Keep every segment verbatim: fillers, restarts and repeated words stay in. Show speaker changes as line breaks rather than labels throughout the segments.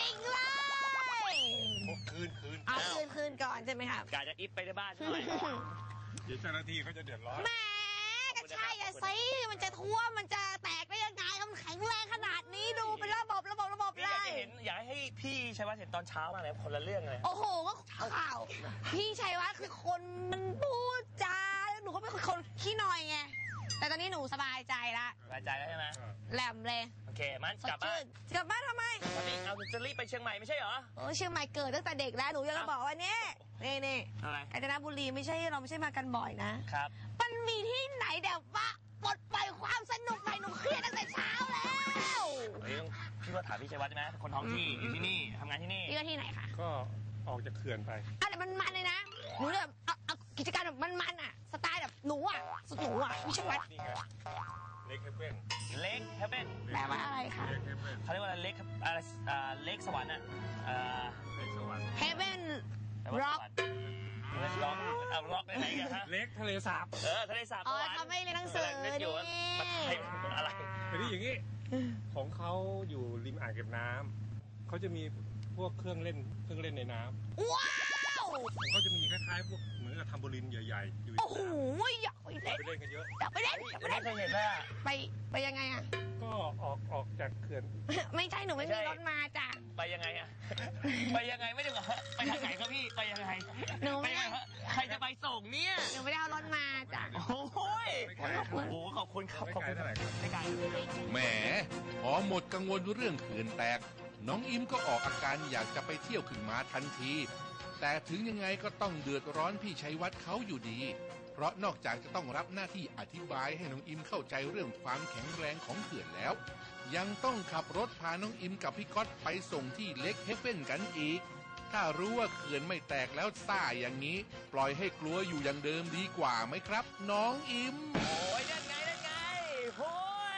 ริงๆเลย
คืนคืน
เอาคืนคืนก่อนใช่ไหมครับ
กาจะอิฟไปในบ้านหน่อย
เดี๋ยวเจ้าหน้าที่เขาจะเดือดร้อน
แหมก็ใช่อะสิมันจะท่วมมันจะแตกได้ยังไงมันแข็งแรงขนาดนี้ดูเป็นระบบระบบระบบเลย
อยากเห็นอยากให้พี่ชัยวัฒน์เห็นตอนเช้ามาเลยคนละเรื่องเลย
โอ้โหก็ข่าวพี่ชัยวัฒน์คือคนมันพูดจาแล้วหนูก็เป็นคนขี้นอยไงแต่ตอนนี้หนูสบายใจละ
สบายใจแล้วใช่ไหม
แหลมเลย
โอเคมันกลับบ้าน
กลับบ้านทำไม
ตอนนี้เอาจะรีบไปเชียงใหม่ไม่ใช่เหรอ
โอ้เชียงใหม่เกิดตั้งแต่เด็กแล้วหนูยังจะบอกว่านี่นี่นี่
อะไร
กาญจนบุรีไม่ใช่เราไม่ใช่มากันบ่อยนะครับมันมีที่ไหนแบบว่าปลดปล่อยความสนุกไปหนูเครียดตั้งแต่เช้าแล้ว
เฮ้ยพี่ว่าถามพี่ชัยวัฒน์ใช่ไหมคนท้องที่อยู่ที่นี่ทำงานที่นี่
พี่ว่าที่ไหนคะ
ก็ออกจากเขื่อนไป
อะไรมันมันเลยนะหนูแบบเอากิจการแบบมันๆอ่ะสไตล์แบบหนูอ่ะสุดหนูอ่ะพี่ชัยวัฒน์
เล็กเฮเบน
เล็กเฮเบน
แปลว่าอะไรคะ
เขาเรียกว่าเล็กอะไรเล็กสวรรค์อ่ะ
เล็กสวรรค์
เฮเบนร็อก
ร็อกเอาร็อกได้ไหนกันฮะ
เล็กทะเลสาบ
เออทะเลสาบ
อ๋อทำให้เรียนหนังสือนี่
อะไร
เป็นที่อย่างนี้ของเขาอยู่ริมอ่างเก็บน้ำเขาจะมีพวกเครื่องเล่นเครื่องเล่นในน้
ำว้าว
เขาจะมีคล้ายๆพวกเหมือนกับทำโบลินใหญ่ๆอยู่
โอ้โหอยากไปเล่น
ไปเล่นกันเยอะ
อยากไปเล่นอยากไปเล่น
เคยเห็นไหม
ไปไปยังไงอ่ะ
ก็ออกออกจากเขื่อน
ไม่ใช่หนูไม่มีรถมาจ้ะ
ไปยังไงอ่ะไปยังไงไม่ได้เหรอไปทางไหนครับพี่ไปยังไง
หนูไม่ได้
ใครจะไปส่งเนี่ย
หนูไม่ได้เอารถมาจ้ะ
โอ้ยโอ้โหขอบคุณครับขอบคุณไม่ไกล
แหมพอหมดกังวลเรื่องเขื่อนแตกน้องอิมก็ออกอาการอยากจะไปเที่ยวขึ้นมาทันทีแต่ถึงยังไงก็ต้องเดือดร้อนพี่ชัยวัฒน์เขาอยู่ดีเพราะนอกจากจะต้องรับหน้าที่อธิบายให้น้องอิมเข้าใจเรื่องความแข็งแรงของเขื่อนแล้วยังต้องขับรถพาน้องอิมกับพี่ก๊อตไปส่งที่เล็กเฮเบนกันอีกถ้ารู้ว่าเขื่อนไม่แตกแล้วซ่าอย่างนี้ปล่อยให้กลัวอยู่อย่างเดิมดีกว่าไหมครับน้องอิม
โอ้ยนั่นไงนั่นไงโอ้ย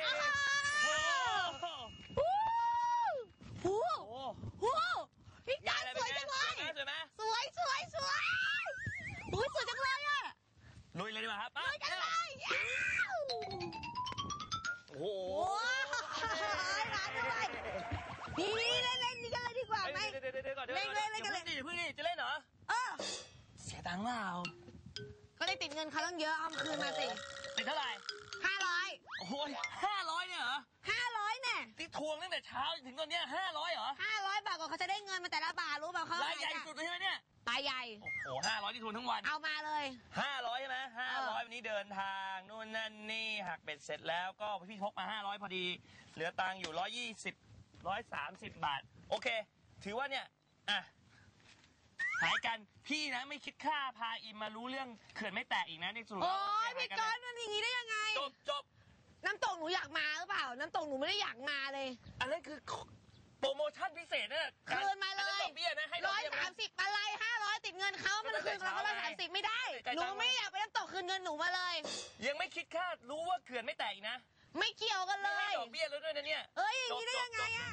โอ้โหโอ้โหพี่ก๊อตสวยจังเลย
สวยไหม
สวยสวยสวยอุ้ยสวยจังเลยอ่ะ
ลุยเลยดีกว่าครับ
ลุยกันเลย
โอ้โห
ร้านด้วยนี่เล่นเล่นนี่กันเลยดีกว่าไหม
เดี๋ยวเดี๋ยวก่อนเล่นเล่นเล่นกันเลยเพิ่งนี่จะเล่นเหรอ
เออ
เสียตังค์เปล่า
ก็ได้ติดเงินเขาต้องเยอะเอาคืนมาสิ
ติดเท่าไหร่
ห้าร้อย
โอ้ยห้าร้อยเนี่ยเหรอ
ห้าร้อยเนี่ย
ที่ทวงตั้งแต่เช้าถึงตอนเนี้ยห้าร้อยเหรอ
ห้าร้อยบาทก่อนเขาจะได้เงินมาแต่ละบาทรู้เปล่าเขา
รายใหญ่สุดเลยใช่ไหมเนี่ย
รายใหญ่
โอ้โหห้าร้อยที่ทวงทั้งวัน
เอามาเลย
ห้าร้อยใช่ไหมห้าร้อยวันนี้เดินทางนู่นนั่นนี่หักเบ็ดเสร็จแล้วก็พี่พกมาห้าร้อยพอดีเหลือตังค์อยู่ร้อยยี่สิบร้อยสามสิบบาทโอเคถือว่าเนี่ยอ่ะหายกันพี่นะไม่คิดค่าพาอิมมารู้เรื่องเขื่อนไม่แตกอีกนะในสุด
โอ้ยพี่ก้อนมันอย่างนี้ได้ยังไง
จบจบ
น้ำตกหนูอยากมาหรือเปล่าน้ำตกหนูไม่ได้อยากมาเลย
อันนั้นคือโปรโมชั่นพิเศษนะ
คืนมาเลยร้อยสามสิบอะไรห้าร้อยติดเงินเขามันคืนเราก็ร้อยสามสิบไม่ได้หนูไม่อยากไปน้ำตกคืนเงินหนูมาเลย
ยังไม่คิดค่ารู้ว่าเขื่อนไม่แตกนะ
ไม่เกี่ยวกันเลย
ไม่ดอกเบี้ยแล้วด้วยนะเนี่ย
เอ้ยอย่างนี้ได้ยังไงอ่ะ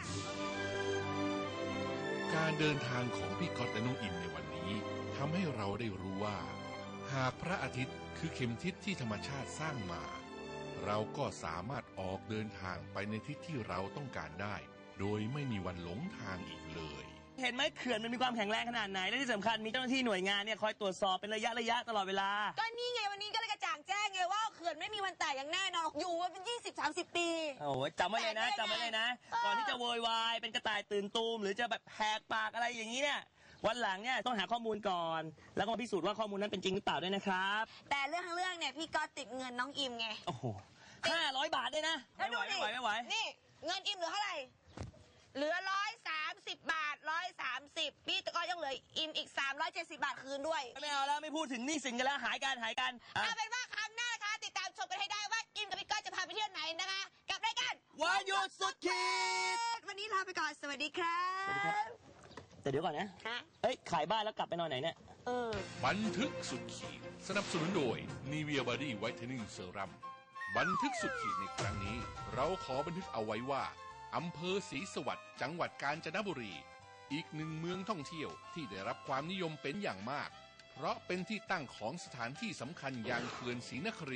การเดินทางของพี่ก๊อตและน้องอิมในวันนี้ทำให้เราได้รู้ว่าหากพระอาทิตย์คือเข็มทิศที่ธรรมชาติสร้างมาเราก็สามารถออกเดินทางไปในทิศที่เราต้องการได้โดยไม่มีวันหลงทางอีกเลย
เห็นไหมเขื่อนมันมีความแข็งแรงขนาดไหนและที่สำคัญมีเจ้าหน้าที่หน่วยงานเนี่ยคอยตรวจสอบเป็นระยะระยะตลอดเวลา
ก็นี่ไงวันนี้ก็เลยกระจ่างแจ้งไงว่าเขื่อนไม่มีวันแตกอย่างแน่นอนอยู่มาเป็นยี่สิบสามสิบปี
โอ้ยจำไว้เลยนะจำไว้เลยนะก่อนที่จะโวยวายเป็นกระต่ายตื่นตูมหรือจะแบบแหกปากอะไรอย่างนี้เนี่ยวันหลังเนี่ยต้องหาข้อมูลก่อนแล้วก็พิสูจน์ว่าข้อมูลนั้นเป็นจริงหรือเปล่าด้วยนะครับ
แต่เรื่องทั้งเรื่องเนี่ยพี่ก็ติดเงินน้องอิมไง
โอ้โหห้าร้อยบาทด้วยนะไม่ไหวไม่ไหวไม่ไหว
นี่เงินอิมเหลือเท่าไหร่เหลือร้อยสามสิบบาทร้อยสามสิบพี่ก็ยังเหลืออิมอีกสามร้อยเจ็ดสิบบาทคืนด้วย
ไม่เอาแล้วไม่พูดถึงหนี้สินกันแล้วหายกันหายกัน
เอาเป็นว่าครั้งหน้านะคะติดตามชมกันให้ได้ว่าอิมกับพี่ก็จะพาไปเที่ยวไหนนะคะกับรายการ
วันหยุดสุดขี
ดวันนี้ลาไปก่อนสวัสดีครับ
สวัสดีครับแต่เดี๋ยวก่อนนะเอ้ยขายบ้านแล้วกลับไปนอนไหนเนี่ย
เออ
บันทึกสุดขีดสนับสนุนโดย Nivea Body Whitening Serum บันทึกสุดขีดในครั้งนี้เราขอบันทึกเอาไว้ว่าอำเภอศรีสวัสดิ์จังหวัดกาญจนบุรีอีกหนึ่งเมืองท่องเที่ยวที่ได้รับความนิยมเป็นอย่างมากเพราะเป็นที่ตั้งของสถานที่สำคัญอย่างเขื่อนศรีนครินทร์เขื่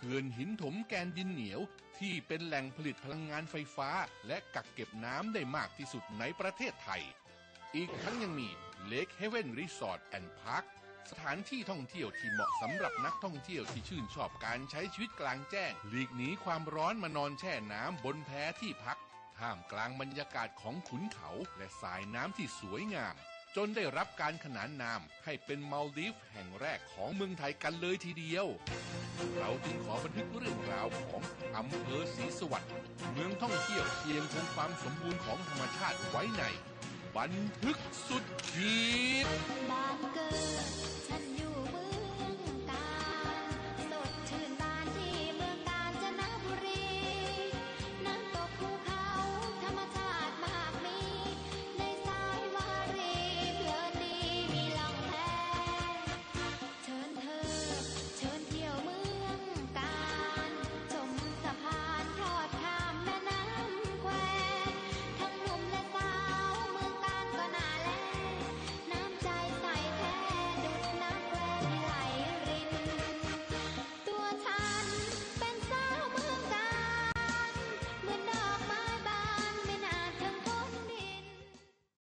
ขื่อนหินถมแกนดินเหนียวที่เป็นแหล่งผลิตพลังงานไฟฟ้าและกักเก็บน้ำได้มากที่สุดในประเทศไทยอีกทั้งยังมี Lake Haven Resort and Park สถานที่ท่องเที่ยวที่เหมาะสำหรับนักท่องเที่ยวที่ชื่นชอบการใช้ชีวิตกลางแจ้งหลีกหนีความร้อนมานอนแช่น้ำบนแพที่พักท่ามกลางบรรยากาศของขุนเขาและสายน้ำที่สวยงามจนได้รับการขนานนามให้เป็นมัลดีฟแห่งแรกของเมืองไทยกันเลยทีเดียวเราจึงขอบันทึกเรื่องราวของอำเภอศรีสวัสดิ์เมืองท่องเที่ยวที่ยังคงความสมบูรณ์ของธรรมชาติไว้ในบันทึกสุดขีด
บ้านเกิดฉันอยู่